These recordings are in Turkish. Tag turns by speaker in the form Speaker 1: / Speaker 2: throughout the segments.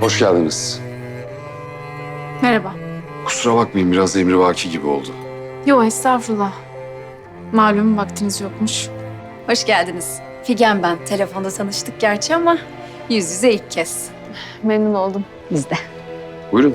Speaker 1: Hoş geldiniz.
Speaker 2: Merhaba.
Speaker 1: Kusura bakmayın biraz emrivaki gibi oldu.
Speaker 2: Yo, estağfurullah. Malum vaktiniz yokmuş.
Speaker 3: Hoş geldiniz. Figen ben. Telefonda tanıştık gerçi ama yüz yüze ilk kez.
Speaker 2: Memnun oldum.
Speaker 3: Biz de.
Speaker 1: Buyurun.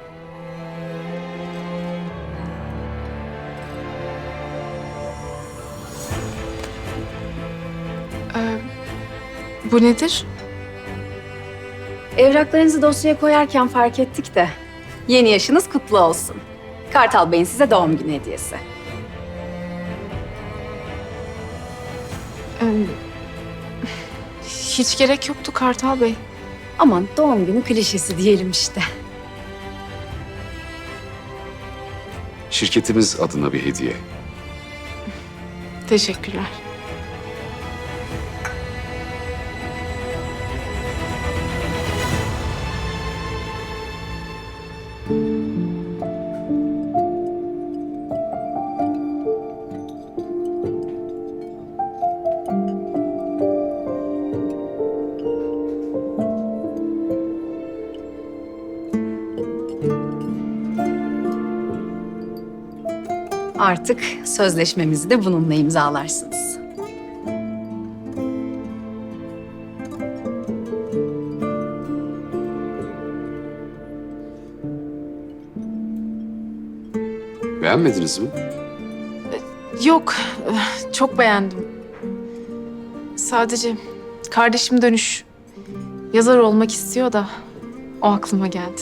Speaker 2: Bu nedir?
Speaker 3: Evraklarınızı dosyaya koyarken fark ettik de yeni yaşınız kutlu olsun. Kartal Bey'in size doğum günü hediyesi.
Speaker 2: Hiç gerek yoktu Kartal Bey.
Speaker 3: Aman doğum günü klişesi diyelim işte.
Speaker 1: Şirketimiz adına bir hediye.
Speaker 2: Teşekkürler.
Speaker 3: Artık sözleşmemizi de bununla imzalarsınız.
Speaker 1: Beğenmediniz mi?
Speaker 2: Yok, çok beğendim. Sadece kardeşim Dönüş yazar olmak istiyor da o aklıma geldi.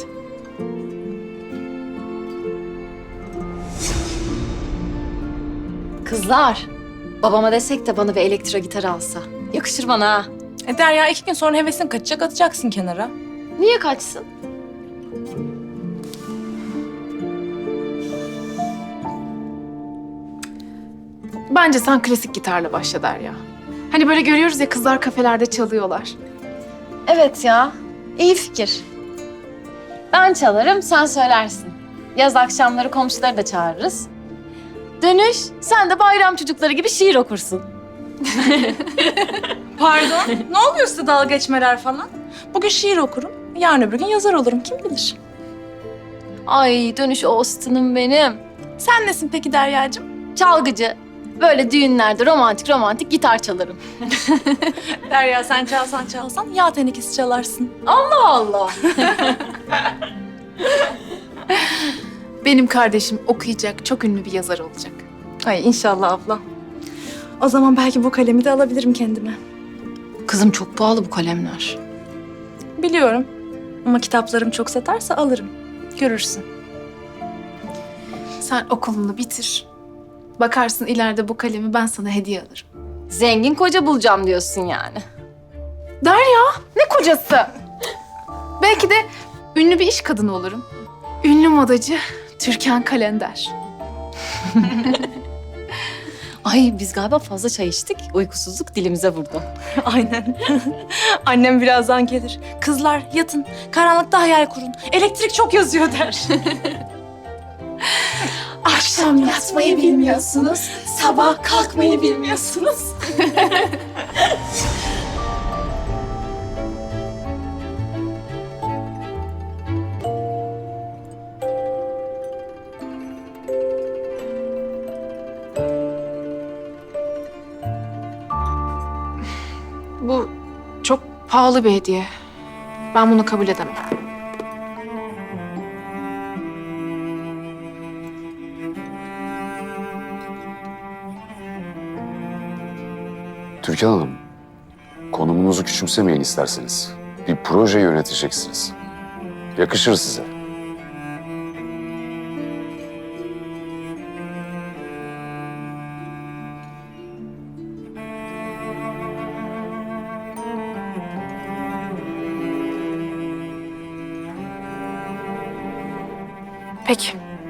Speaker 3: Kızlar, babama desek de bana bir elektro gitar alsa. Yakışır bana ha.
Speaker 4: Derya 2 gün sonra hevesin kaçacak, atacaksın kenara.
Speaker 3: Niye kaçsın?
Speaker 2: Bence sen klasik gitarla başla Derya. Hani böyle görüyoruz ya, kızlar kafelerde çalıyorlar.
Speaker 5: Evet ya, iyi fikir. Ben çalarım, sen söylersin. Yaz akşamları komşuları da çağırırız. Dönüş, sen de bayram çocukları gibi şiir okursun.
Speaker 4: Pardon, ne oluyor size dalga geçmeler falan? Bugün şiir okurum, yarın öbür gün yazar olurum, kim bilir?
Speaker 5: Ay Dönüş Austin'ım benim.
Speaker 4: Sen nesin peki Derya'cığım?
Speaker 5: Çalgıcı. Böyle düğünlerde romantik romantik gitar çalarım.
Speaker 4: Derya sen çalsan yağ tenekesi çalarsın.
Speaker 5: Allah Allah.
Speaker 2: Benim kardeşim okuyacak, çok ünlü bir yazar olacak.
Speaker 4: Ay inşallah abla. O zaman belki bu kalemi de alabilirim kendime.
Speaker 5: Kızım çok pahalı bu kalemler.
Speaker 4: Biliyorum ama kitaplarım çok satarsa alırım. Görürsün.
Speaker 2: Sen okulunu bitir. Bakarsın ileride bu kalemi ben sana hediye alırım.
Speaker 5: Zengin koca bulacağım diyorsun yani.
Speaker 2: Derya, ne kocası? Belki de ünlü bir iş kadını olurum. Ünlü modacı Türkan Kalender.
Speaker 5: Ay biz galiba fazla çay içtik. Uykusuzluk dilimize vurdu.
Speaker 4: Aynen. Annem birazdan gelir. Kızlar yatın, karanlıkta hayal kurun. Elektrik çok yazıyor der.
Speaker 2: Akşam yatmayı bilmiyorsunuz, sabah kalkmayı bilmiyorsunuz. Bu çok pahalı bir hediye. Ben bunu kabul edemem.
Speaker 1: Türkan Hanım, konumunuzu küçümsemeyin isterseniz. Bir proje yöneteceksiniz. Yakışır size.
Speaker 2: Peki.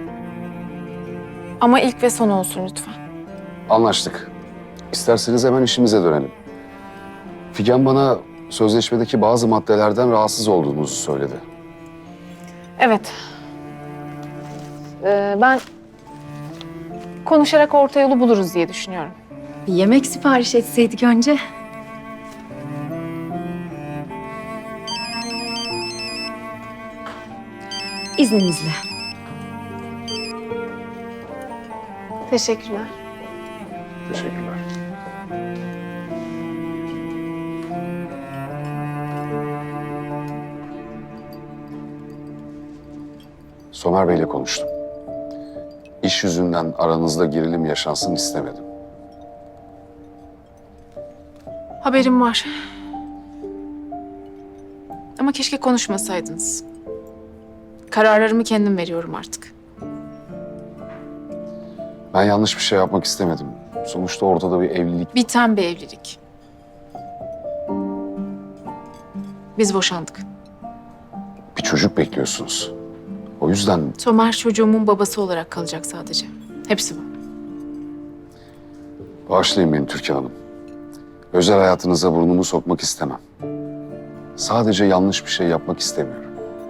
Speaker 2: Ama ilk ve son olsun lütfen.
Speaker 1: Anlaştık. İsterseniz hemen işimize dönelim. Figen bana sözleşmedeki bazı maddelerden rahatsız olduğunuzu söyledi.
Speaker 2: Evet. Ben konuşarak orta yolu buluruz diye düşünüyorum.
Speaker 3: Bir yemek sipariş etseydik önce. İzninizle.
Speaker 2: Teşekkürler.
Speaker 1: Teşekkürler. Somer Bey'le konuştum. İş yüzünden aranızda gerilim yaşansın istemedim.
Speaker 2: Haberim var. Ama keşke konuşmasaydınız. Kararlarımı kendim veriyorum artık.
Speaker 1: Ben yanlış bir şey yapmak istemedim. Sonuçta ortada bir evlilik.
Speaker 2: Biten bir evlilik. Biz boşandık.
Speaker 1: Bir çocuk bekliyorsunuz. O yüzden
Speaker 2: Somer çocuğumun babası olarak kalacak sadece. Hepsi bu.
Speaker 1: bağışlayın beni Türkan Hanım. Özel hayatınıza burnumu sokmak istemem. Sadece yanlış bir şey yapmak istemiyorum.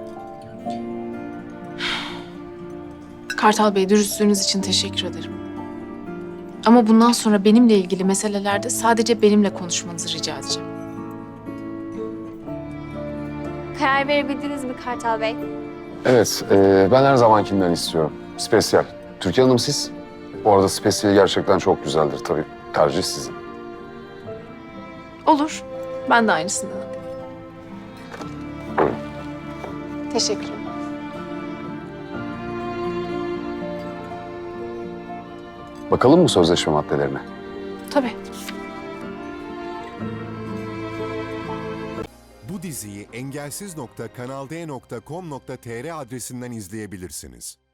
Speaker 2: Kartal Bey, dürüstlüğünüz için teşekkür ederim. Ama bundan sonra benimle ilgili meselelerde sadece benimle konuşmanızı rica edeceğim.
Speaker 6: Karar verebildiniz mi Kartal Bey?
Speaker 1: Evet, ben her zamankinden istiyorum. Spesyal. Türkan Hanım siz? Bu arada spesiyeli gerçekten çok güzeldir tabii. Tercih sizin.
Speaker 2: Olur. Ben de aynısından. Teşekkürler.
Speaker 1: Bakalım mı sözleşme maddelerine?
Speaker 2: Tabii.
Speaker 7: Bu diziyi engelsiz.kanalde.com.tr adresinden izleyebilirsiniz.